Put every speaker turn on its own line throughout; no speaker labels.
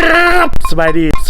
สบายดีห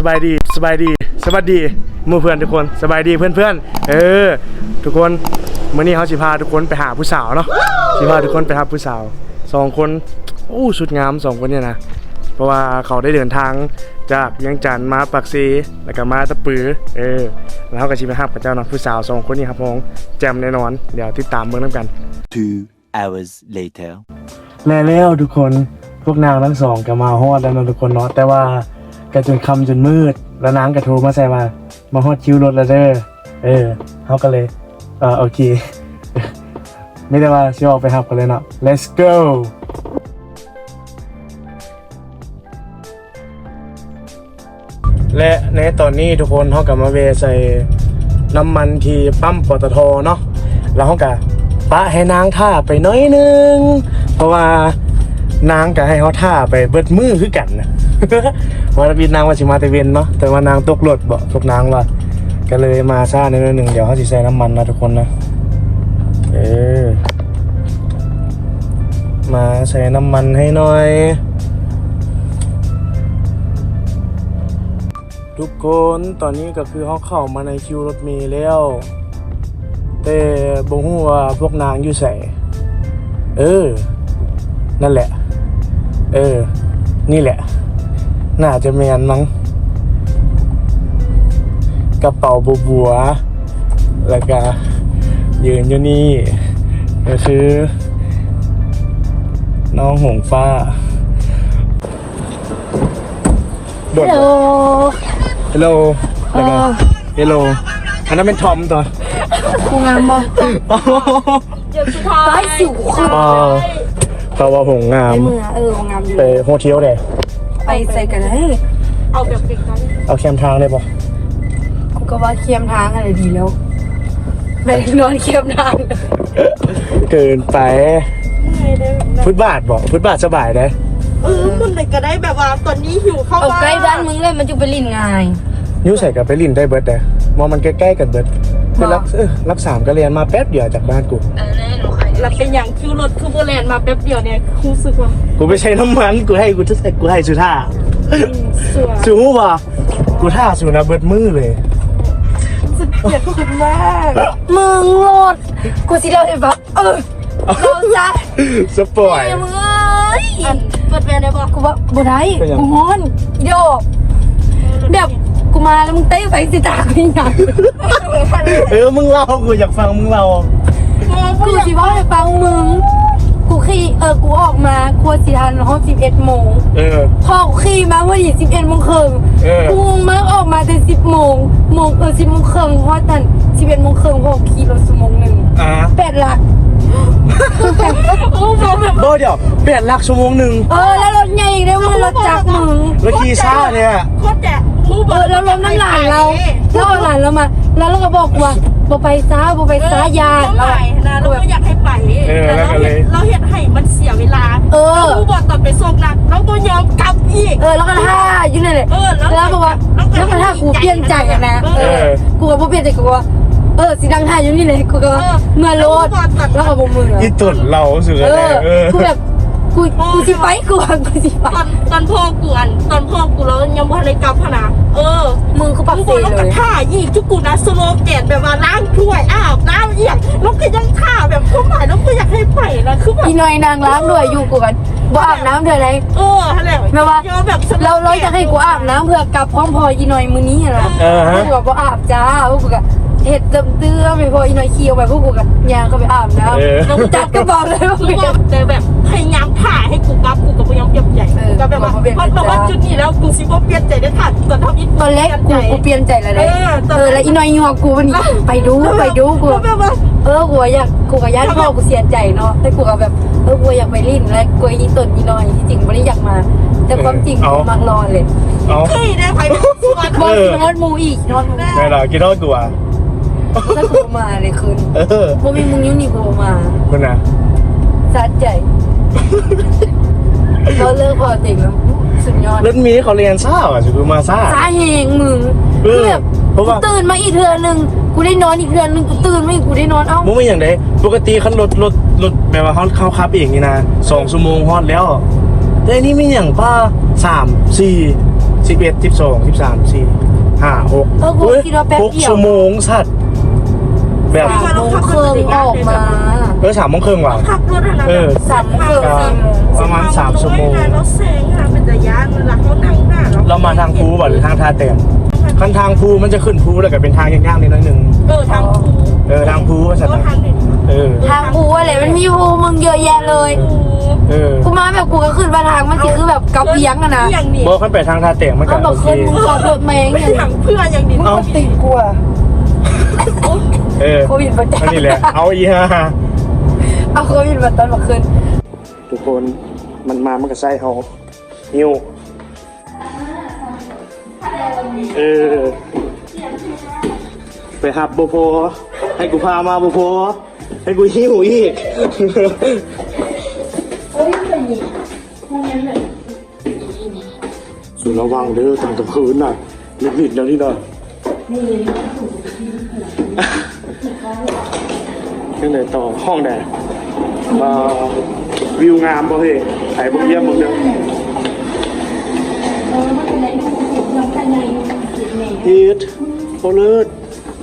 มู่เพื่อนทุกคนสบายดีเพื่อนทุกคนมื้อนี้เขาสิพาทุกคนไปหาผู้สาวเนาะสิพาทุกคนไปหาผู้สาว2คนสุดงาม2คนเนี่ยนะเพราะว่าเขาได้เดินทางจากเวียงจันทน์มาปักซีแล้วก็มาตะปือแล้วเขาก็สิไปหากับเจ้าเนาะผู้สาว2คนนี้ครับผมแจ่มแน่นอนเดี๋ยวติดตามเบิ่งนำกัน
2 hours later
แล้วทุกคนพวกนางทั้งสองก็มาฮอดแล้วเนาะทุกคนเนาะแต่ว่าก็จนค่ำจนมืดแล้วนางก็โทรมาใส่มาฮอดคิวรถแล้วเด้อเขาก็เลยโอเค ไม่ได้ว่าสิออกไปหับกันเลยเนาะ let's go และในตอนนี้ทุกคนเขากลับมาเวใส่น้ำมันที่ปั๊มปตทเนาะแล้วเขาก็ปะให้นางท่าไปน้อยนึงเพราะว่านางก็ให้เขาท่าไปเบิดมือคือกันนะวันบินนางว่าสิมาแต่เวนเนาะแต่ว่านางตกรถบอกพวกนางว่าก็เลยมาซ่าในนิดนึงเดี๋ยวเขาสิใส่น้ำมันนะทุกคนนะมาใส่น้ำมันให้หน่อยทุกคนตอนนี้ก็คือเขาเข้ามาในคิวรถเมล์แล้วแต่บ่ฮู้ว่าพวกนางอยู่ไสนั่นแหละนี่แหละน่าจะแมนมั้งกระเป๋าบัวแล้วก็ยืนอยู่นี่ก็คือน้องหงฟ้าฮัลโหลแล้วก็ฮัลโหลอันนั้นเป็นทอมตัว
กูงามบ่เดี๋ยวสุดท้ายสิวค่ะ
เพราะว่าหงงาม
เมื่องามอยู่
ไปโฮเทลเลย
ไปใส่กันเลยเอาแบบเด็กกัน
เอาแคมทางเลยป่ะ
กูก็ว่าเคียมทางอะไรดีแล้วไปนอนเคียมทาง
เกินไปฟุตบาทบอกฟุตบาทสบายได้
คุณไหนก็ได้แบบว่าตอนนี้หิวเข้าบ้าน
ใกล้บ้านมึงเลยมันจะไปลินง่าย
นิ้วใส่กับไปลินได้เบิร์ดเลยมองมันใกล้ๆกันเบิร์ดคือรัก3ก็เรียนมาแป๊บเดียวจากบ้านกู
แล้วเป็นอย่างคิวรถคือโบแลนมาแป๊บเดียวเนี่ยรู้สึกว่า
กูไม่ใช้น้ำมันกูให้สุท่าสูหูป่ะกูท่าสูนะเบิร์ดมือเลย
สุดเกลียดคุณมาก
มึงโหดกูสิเล่าให้ฟังเราจะ
สปอย
มึงเปิดแวนได้ป่ะกูว่าบ่ได้กูฮ้อนโยแบบกูมาแล้วมึงเต้ไฟสิตากูยัง
มึงเล่ากูอยากฟังมึงเล่า
กูสิว่าให้ฟังมึงกูขี่กูออกมาครัวสิทันห้อง11 โมงพอกูขี่มาวันที่11 โมงครึ่งกูมาออกมาแต่10 โมง10 โมงครึ่งเพราะทัน11 โมงครึ่งพอขี่รถชั่วโมงนึง8 หลัก
โบเดี๋ยว8 หลักชั่วโมงนึง
แล้วรถใหญ่อีกได้มึงรถจักรมึง
รถขี่ซ่าเนี่ย
โคตรแจ๋
แล้วล้มน้ำหลานเราแล้วหลานเรามาแล้วเราก็บอกว่าบ่ไปซ้ายา
เรานะเราไม่อยากให้ไปแต่เราเห็นให้มันเสียเวลากูบอกตอนไปส่งนะเราก็ยอมกลับอีก
แล้วก็ท่าอยู่นั่นแหละแล้วบอกว่าแล้วก็ท่ากูเปลี่ยนใจนะกูก็บ่เปลี่ยนใจกูว่าสีดังท่าอยู่นี่เลยกูก็เมื่อรถแล้วก็บ่มือ
อีตุ่นเราสุดเลย
กูแบบกูสิไปกูสิไป
ตอนพ่อกูแล้วยังบ่ได้กลับพนะ
มึงคือปักเซ่เลย
ท่าอีกทุกกูนะสโลแกนแบบว่าล้างถ้วยอาบน้ำเอียงแล้วก็ยังท่าแบบเขาหมายแล้วก็อยากให้ไปนะคือแบบ
อีน้อยนางล้างด้วยอยู่กูกันบ่อาบน้ำเธออะไร
อะไร
แม่ว่าเราจะให้กูอาบน้ำเพื่อกลับพร้อมพออีน้อยมื้อนี้นะกูบอกบ่อาบจ้าพวกกูก็เห็ดเตื้อไปพออีน้อยเคี้ยวไปพวกกูกันยางเขาไปอาบน้ำแล้วจัดก็บอกเลยว่า
แต่แบบพยายามถ่ายให้กูกลับกูก็พยายามเปลี่ยนใจก็แบบว่ามันบอกว่าจุดนี้แล้วกูสิบ่เปลี่ยนใจได้ทัน
ตอนแรกกูเปลี่ยนใจแล้วแล้วอีน้อยหัวกูมันไปดูกู
แบบว่า
กูอยากกูกับญาติพ่อกูเสียใจเนาะแต่กูก็แบบกูอยากไปลิ้นและกูอีตนอีน้อยที่จริงไม่ได้อยากมาแต่ความจริงกูมักรอเลย
เฮ้ยได้ไป
นอนมูอีกนอน
ไม่หรอกกินทอดกูอ่ะ
ถ้ากูมาเลยคืนบ่มีมึงอยู่นี่กูมา
คุณนะ
สะใจเราเลิกพอจริงแล้วสุดยอด
รถมีเขาเรียนซ่าอ่ะคือมาซ่า
แหงมึงแบบตื่นมาอีกเทื่อนึงกูได้นอนอีกเทื่อนึงกูตื่นมาอีกกูได้นอน
มึงไม่อย่างไรปกติคันรถแบบว่าเขาขับเองนี่นะ2 ชั่วโมงฮอดแล้วแต่นี่ไม่อย่างป้า3 4 11 12 13 14 5 6
กูคิดว่าแป๊บเดียว
6 ชั่วโมงสัตว์แบบ
3 โมงครึ่งออกมา
3 โมงครึ่งว่ะ
ขับรถอะไร
3 โมงครึ่ง
ประมาณ3 ชั่วโมง
เราเซ็งค่ะเป็นแต่ย่านเวลาเขานั่งหน้า
เรามาทางภูบ่หรือทางท่าแต้มคันทางภูมันจะขึ้นภูแล้วก็เป็นทางยากๆนิดนึง
ทางภู
ทางภูว่าสัตว์
ทางเด็ด
ทางกูอะไรมันมีภูมึงเยอะแยะเลยกูมาแบบกูก็ขึ้นมาทางมันสิคือแบบกับเลี้ยงอะนะ
อย่างนี้
บอกขึ้นไปทางท่าแต้มมันก็
เอาบ
โอ
อก
เค
ขึ้นมึงขับรถมาเอง
ไม่
อย่าง
ทางเพื่อนอย่างนี้
เอาติดกลัว
โควิดมาจ้า
นี่แหละเอาอีห่า
เอาโควิดมาตอนมาขึ้น
ทุกคนมันมามันก็ใส่เอาหิ้วไปหับโบโพให้กูพามาโบโพให้กูหิ้วอีกสุดระวังเด้อตอนกลางคืนน่ะนิดๆแล้วนี่น่ะยังไงต่อห้องแดดวิวงามป่ะเฮ้ยถ่ายบุกเยี่ยมบุกเดียวฮีทโอเลิศ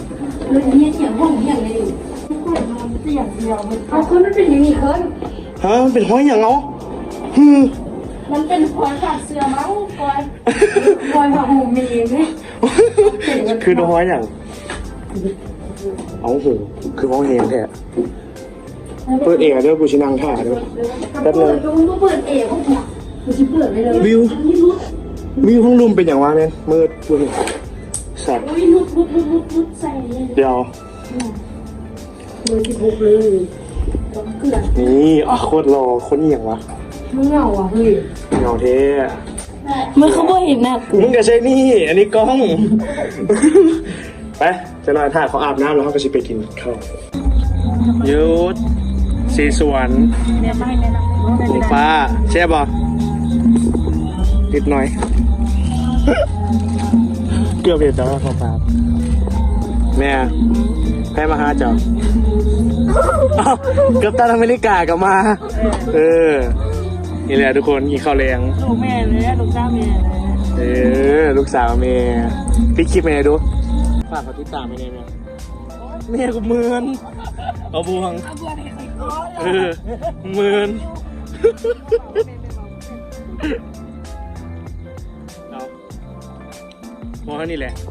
เอาขึ้นมันเป็นอย่างนี้ขึ้น
ฮะมันเป็นห้อยอย่างเนาะ
มันเป็นพลอยขาดเสื้อมั้งพลอยผ้าห่มมีไหม
คือห้อยอย่างเอาโหคือห้องเฮงแท้เปิดเองเดี๋ยวกูชินังท่าเดี๋ยวแป๊บนึง
มึงเปิดเองกูจะเปิดไปเลย
วิวห้องรูมเป็นอย่างวะเนี่ยมืดกูเห็นสัตว์
นุดใส่เลย
เดี๋ยว
เบอร์16เลยเกลือ
นี่โคตรรอคนเหี่ยงวะ
มึงเหงาอ่ะเฮ้ย
เงาเท่
มันเขาบ่เห็นนะ
มึงก็ใช่นี่ อันนี้กล้อง ไปจะนอนท่าเขาอาบน้ำแล้วเขาก็ชิไปกินข้าวยุดสีสวน
เนี่ยไม่แนะนำ
หมูฟ้าแช่บบ่นิดหน่อย เกือบเห็นแต่ว่าฟ้าแม่ให้มาหาเจ้าอ้าวเกือบตันอเมริกากลับมา นี่แหละทุกคนกินข้าวแรง
ลูกแม่เลยลูกเจ้าแม่เลย
ลูกสาวเมย์พี่คลิปเมย์ดูฝากเขาติดตามไปเลยเมย์กูเมือนเอาบวงเมือนเอาพอเท่านี้แหละ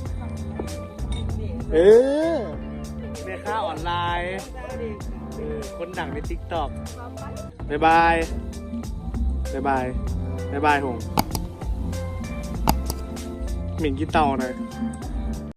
แม่ค้าออนไลน์คนดังใน TikTok บ๊ายบายบ๊ายบายบ๊ายบายหงหมิ่นกี่เต่าหน่อย